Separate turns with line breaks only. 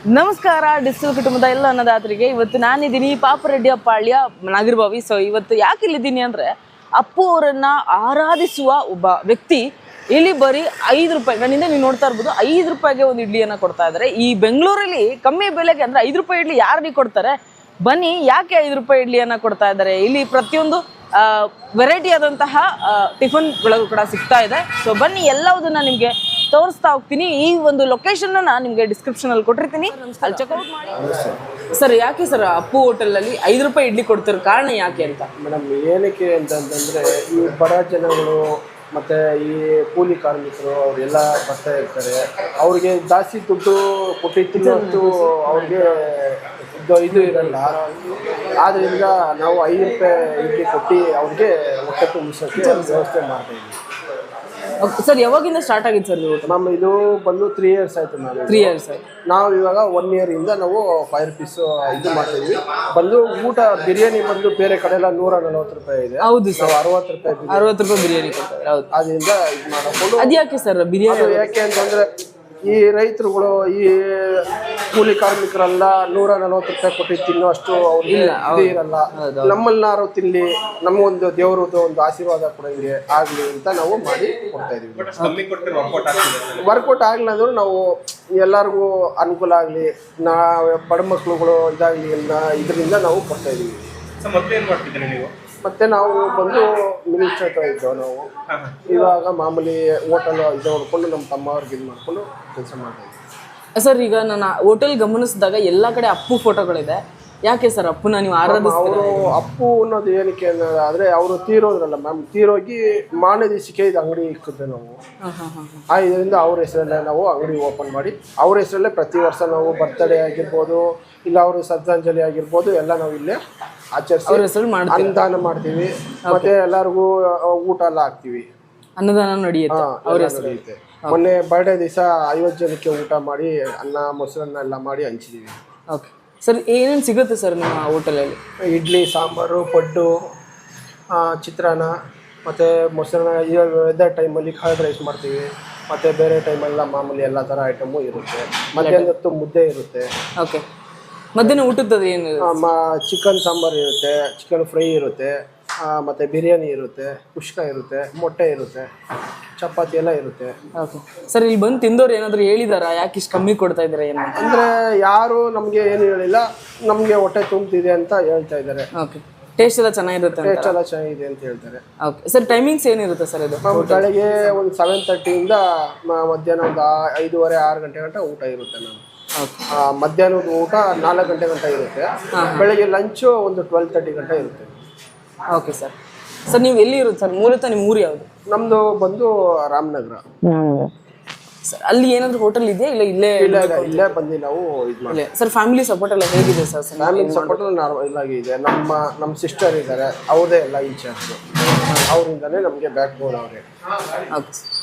ನಮಸ್ಕಾರ ಡಿಸ್ಟಿಲ್ ಕುಟುಂಬದ ಎಲ್ಲ ಅನ್ನದಾತರಿಗೆ. ಇವತ್ತು ನಾನಿದ್ದೀನಿ ಪಾಪರೆಡ್ಡಿಪಾಳ್ಯ ನಾಗರಬಾವಿ. ಸೊ ಇವತ್ತು ಯಾಕೆ ಇಲ್ಲಿದ್ದೀನಿ ಅಂದರೆ, ಅಪ್ಪು ಅವರನ್ನು ಆರಾಧಿಸುವ ಒಬ್ಬ ವ್ಯಕ್ತಿ ಇಲ್ಲಿ ಬರೀ 5 ರೂಪಾಯಿ, ನನ್ನಿಂದ ನೀವು ನೋಡ್ತಾ ಇರ್ಬೋದು, 5 ರೂಪಾಯಿಗೆ ಒಂದು ಇಡ್ಲಿಯನ್ನು ಕೊಡ್ತಾ ಇದ್ದಾರೆ. ಈ ಬೆಂಗಳೂರಲ್ಲಿ ಕಮ್ಮಿ ಬೆಲೆಗೆ ಅಂದರೆ 5 ರೂಪಾಯಿ ಇಡ್ಲಿ ಯಾರಿಗೆ ಕೊಡ್ತಾರೆ? ಬನ್ನಿ, ಯಾಕೆ 5 ರೂಪಾಯಿ ಇಡ್ಲಿಯನ್ನು ಕೊಡ್ತಾ ಇದ್ದಾರೆ? ಇಲ್ಲಿ ಪ್ರತಿಯೊಂದು ವೆರೈಟಿ ಆದಂತಹ ಟಿಫನ್ಗಳು ಕೂಡ ಸಿಗ್ತಾ ಇದೆ. ಸೊ ಬನ್ನಿ, ಎಲ್ಲವುದನ್ನು ನಿಮಗೆ ತೋರಿಸ್ತಾ ಹೋಗ್ತೀನಿ. ಈ ಒಂದು ಲೊಕೇಶನ್ ನಾನು ನಿಮಗೆ ಡಿಸ್ಕ್ರಿಪ್ಷನ್ ಅಲ್ಲಿ ಕೊಟ್ಟಿರ್ತೀನಿ, ಅಲ್ಲಿ ಚೆಕ್ಔಟ್ ಮಾಡಿ. ಸರ್, ಯಾಕೆ ಸರ್ ಅಪ್ಪು ಹೋಟೆಲ್ ಅಲ್ಲಿ 5 ರೂಪಾಯಿ ಇಡ್ಲಿ ಕೊಡ್ತಿರೋ ಕಾರಣ ಯಾಕೆ ಅಂತ?
ಮೇಡಮ್, ಏನಕ್ಕೆ ಅಂತಂದ್ರೆ ಈ ಬಡ ಜನಗಳು ಮತ್ತೆ ಈ ಕೂಲಿ ಕಾರ್ಮಿಕರು ಅವರೆಲ್ಲ ಬರ್ತಾ ಇರ್ತಾರೆ. ಅವ್ರಿಗೆ ಜಾಸ್ತಿ ದುಡ್ಡು ಕೊಟ್ಟು ತಿನ್ನೋಷ್ಟು ಅವ್ರಿಗೆ ಇದು ಇರಲ್ಲ. ಆದ್ದರಿಂದ ನಾವು 5 ರೂಪಾಯಿ ಇಡ್ಲಿ ಕೊಟ್ಟು ಅವ್ರಿಗೆ ಹೊಟ್ಟೆ ತುಂಬಿಸೋಕ್ಕೆ ವ್ಯವಸ್ಥೆ ಮಾಡ್ತಾ ಇದ್ದೀವಿ.
ಸರ್, ಯಾವಾಗಿಂದ ಸ್ಟಾರ್ಟ್ ಆಗಿತ್ತು ಸರ್ ಊಟ?
ನಮ್ಮ ಇದು ಬಂದು 3 years ಆಯ್ತು. ನಾವು
3 years ಆಯ್ತು.
ನಾವು ಇವಾಗ 1 year ಇಂದ ನಾವು 5 rupees ಇದು ಮಾಡ್ತೀವಿ. ಬಂದು ಊಟ ಬಿರಿಯಾನಿ ಬಂದು ಬೇರೆ ಕಡೆ ಎಲ್ಲ 140 ರೂಪಾಯಿ ಇದೆ.
ಹೌದು ಸರ್,
60 ರೂಪಾಯಿ
60 ರೂಪಾಯಿ ಬಿರಿಯಾನಿ ಕೊಡ್ತಾರೆ. ಹೌದು,
ಅದರಿಂದ ಇದು ಮಾಡಿಕೊಂಡು.
ಅದು ಯಾಕೆ ಸರ್ ಬಿರಿಯಾನಿ?
ಯಾಕೆ ಅಂತಂದ್ರೆ ಈ ರೈತರುಗಳು ಈ ಕೂಲಿ ಕಾರ್ಮಿಕರೆಲ್ಲ 140 ರೂಪಾಯಿ ಕೊಟ್ಟು ತಿನ್ನೋ ಅಷ್ಟು ಅವ್ರಿಗೆ ಇದು ಇರಲ್ಲ. ನಮ್ಮಲ್ಲಾರು ತಿನ್ಲಿ, ನಮಗೊಂದು ದೇವರದ್ದು ಒಂದು ಆಶೀರ್ವಾದ ಕೊಡಂಗೆ ಆಗ್ಲಿ ಅಂತ ನಾವು ಮಾಡಿ ಕೊಡ್ತಾ ಇದೀವಿ. ವರ್ಕೌಟ್ ಆಗ್ಲಿ ಅಂದ್ರೂ ನಾವು ಎಲ್ಲರಿಗೂ ಅನುಕೂಲ ಆಗಲಿ, ಬಡ ಮಕ್ಳುಗಳು ಇದಾಗಲಿ ಇದರಿಂದ ನಾವು ಕೊಡ್ತಾ ಇದೀವಿ. ಮತ್ತೆ ನಾವು ಬಂದು ಮಿನಿಸ್ಟರ್ ಹತ್ರ ಇದ್ದೆವು. ನಾವು ಇವಾಗ ಮಾಮೂಲಿ ಹೋಟೆಲ್ ಇದು ನೋಡ್ಕೊಂಡು ನಮ್ಮ ತಮ್ಮವ್ರಿಗೆ ಇದು ಮಾಡ್ಕೊಂಡು ಕೆಲಸ ಮಾಡ್ತಾ ಇದ್ದೀವಿ.
ಸರ್, ಈಗ ನಾನು ಹೋಟೆಲ್ ಗಮನಿಸಿದಾಗ ಎಲ್ಲ ಕಡೆ ಅಪ್ಪು ಫೋಟೋಗಳಿದೆ. ಯಾಕೆ ಸರ್ ಅಪ್ಪುನ ನೀವು ಆರಾಧಿಸ್ತೀರಾ?
ಅವರು ಅಪ್ಪು ಅನ್ನೋದು ಏನಕ್ಕೆ ಅನ್ನೋದಾದ್ರೆ, ಅವರು ತೀರೋದ್ರಲ್ಲ ಮ್ಯಾಮ್, ತೀರೋಗಿ ಮಾರನೇ ದಿವಸಕ್ಕೆ ಇದು ಅಂಗಡಿ ಇಕ್ಕಿದ್ದೆ ನಾವು. ಇದರಿಂದ ಅವ್ರ ಹೆಸರಲ್ಲೇ ನಾವು ಅಂಗಡಿ ಓಪನ್ ಮಾಡಿ, ಅವ್ರ ಹೆಸರಲ್ಲೇ ಪ್ರತಿ ವರ್ಷ ನಾವು ಬರ್ತ್ಡೇ ಆಗಿರ್ಬೋದು, ಇಲ್ಲ ಅವರು ಶ್ರದ್ಧಾಂಜಲಿ ಆಗಿರ್ಬೋದು, ಎಲ್ಲ ನಾವು ಇಲ್ಲೇ ಆಚರಿಸಿ ಅನ್ನದಾನ ಮಾಡ್ತೀವಿ. ಮತ್ತೆ ಎಲ್ಲರಿಗೂ ಊಟ ಎಲ್ಲ ಹಾಕ್ತಿವಿ.
ಅನ್ನದಾನ ನಡೆಯುತ್ತೆ ಅವ್ರ
ನಡೆಯುತ್ತೆ. ಮೊನ್ನೆ ಬರ್ಡೇ ದಿವಸ 50 ಜನಕ್ಕೆ ಊಟ ಮಾಡಿ ಅನ್ನ ಮೊಸರನ್ನ ಎಲ್ಲ ಮಾಡಿ ಹಂಚಿದೀವಿ.
ಓಕೆ ಸರ್, ಏನೇನು ಸಿಗುತ್ತೆ ಸರ್ ನಿಮ್ಮ ಹೋಟೆಲಲ್ಲಿ?
ಇಡ್ಲಿ, ಸಾಂಬಾರು, ಪಡ್ಡು, ಚಿತ್ರಾನ್ನ, ಮತ್ತು ಮೊಸರನ್ನ. ವೆದರ್ ಟೈಮಲ್ಲಿ ಕರ್ಡ್ ರೈಸ್ ಮಾಡ್ತೀವಿ. ಮತ್ತು ಬೇರೆ ಟೈಮೆಲ್ಲ ಮಾಮೂಲಿ ಎಲ್ಲ ಥರ ಐಟಮು ಇರುತ್ತೆ. ಮಧ್ಯಾಹ್ನ ಹೊತ್ತು ಮುದ್ದೆ ಇರುತ್ತೆ.
ಓಕೆ, ಮಧ್ಯಾಹ್ನ ಊಟದ ಏನು?
ಚಿಕನ್ ಸಾಂಬಾರು ಇರುತ್ತೆ, ಚಿಕನ್ ಫ್ರೈ ಇರುತ್ತೆ, ಮತ್ತು ಬಿರಿಯಾನಿ ಇರುತ್ತೆ, ಕುಷ್ಕ ಇರುತ್ತೆ, ಮೊಟ್ಟೆ ಇರುತ್ತೆ, ಚಪಾತಿ ಎಲ್ಲ ಇರುತ್ತೆ.
ಓಕೆ ಸರ್, ಇಲ್ಲಿ ಬಂದು ತಿಂದವ್ರು ಏನಾದರೂ ಹೇಳಿದಾರಾ ಯಾಕೆ ಇಷ್ಟು ಕಮ್ಮಿ ಕೊಡ್ತಾ ಇದ್ದಾರೆ ಏನು
ಅಂದರೆ? ಯಾರು ನಮಗೆ ಏನು ಹೇಳಿಲ್ಲ, ನಮಗೆ ಹೊಟ್ಟೆ ತುಂಬ್ತಿದೆ ಅಂತ ಹೇಳ್ತಾ ಇದ್ದಾರೆ.
ಓಕೆ, ಟೇಸ್ಟ್ ಎಲ್ಲ ಚೆನ್ನಾಗಿರುತ್ತೆ?
ಟೇಸ್ಟ್ ಎಲ್ಲ ಚೆನ್ನಾಗಿದೆ ಅಂತ ಹೇಳ್ತಾರೆ.
ಓಕೆ ಸರ್, ಟೈಮಿಂಗ್ಸ್ ಏನಿರುತ್ತೆ ಸರ್ ಇದು?
ಬೆಳಗ್ಗೆ ಒಂದು 7:30 ಮಧ್ಯಾಹ್ನ ಒಂದು 5:30, 6 ಗಂಟೆ ಗಂಟ ಊಟ ಇರುತ್ತೆ. ನಾನು ಮಧ್ಯಾಹ್ನದ ಊಟ 4 ಗಂಟೆ ಗಂಟ ಇರುತ್ತೆ. ಬೆಳಗ್ಗೆ ಲಂಚು ಒಂದು 12:30 ಗಂಟೆ ಇರುತ್ತೆ.
Okay sir. ಸರ್, ನೀವು ಎಲ್ಲಿ ಇರುತ್ತೆ ಸರ್ ಮೂಲತಃ? ನಿಮ್ಮ ಊರು ಯಾವುದು?
ನಮ್ಮದು ಬಂದು ರಾಮನಗರ.
ಸರ್, ಅಲ್ಲಿ ಏನಾದರೂ ಹೋಟೆಲ್ ಇದೆಯಾ? ಇಲ್ಲ
ಇಲ್ಲೇ ಬಂದು ನಾವು ಇದು ಮಾಡಿ.
ಸರ್, ಫ್ಯಾಮಿಲಿ ಸಪೋರ್ಟ್ ಎಲ್ಲ ಹೇಗಿದೆ ಸರ್?
ಫ್ಯಾಮಿಲಿ ಸಪೋರ್ಟ್ ನಾರ್ಮಲ್ ಆಗಿದೆ. ನಮ್ಮ ಸಿಸ್ಟರ್ ಇದ್ದಾರೆ, ಅವ್ರದೇ ಎಲ್ಲ ಇನ್ಚಾರ್ಜ್. ಅವರಿಂದಲೇ ನಮಗೆ ಬ್ಯಾಕ್ ಬೋನ್ ಅವರೇ.
ಓಕೆ.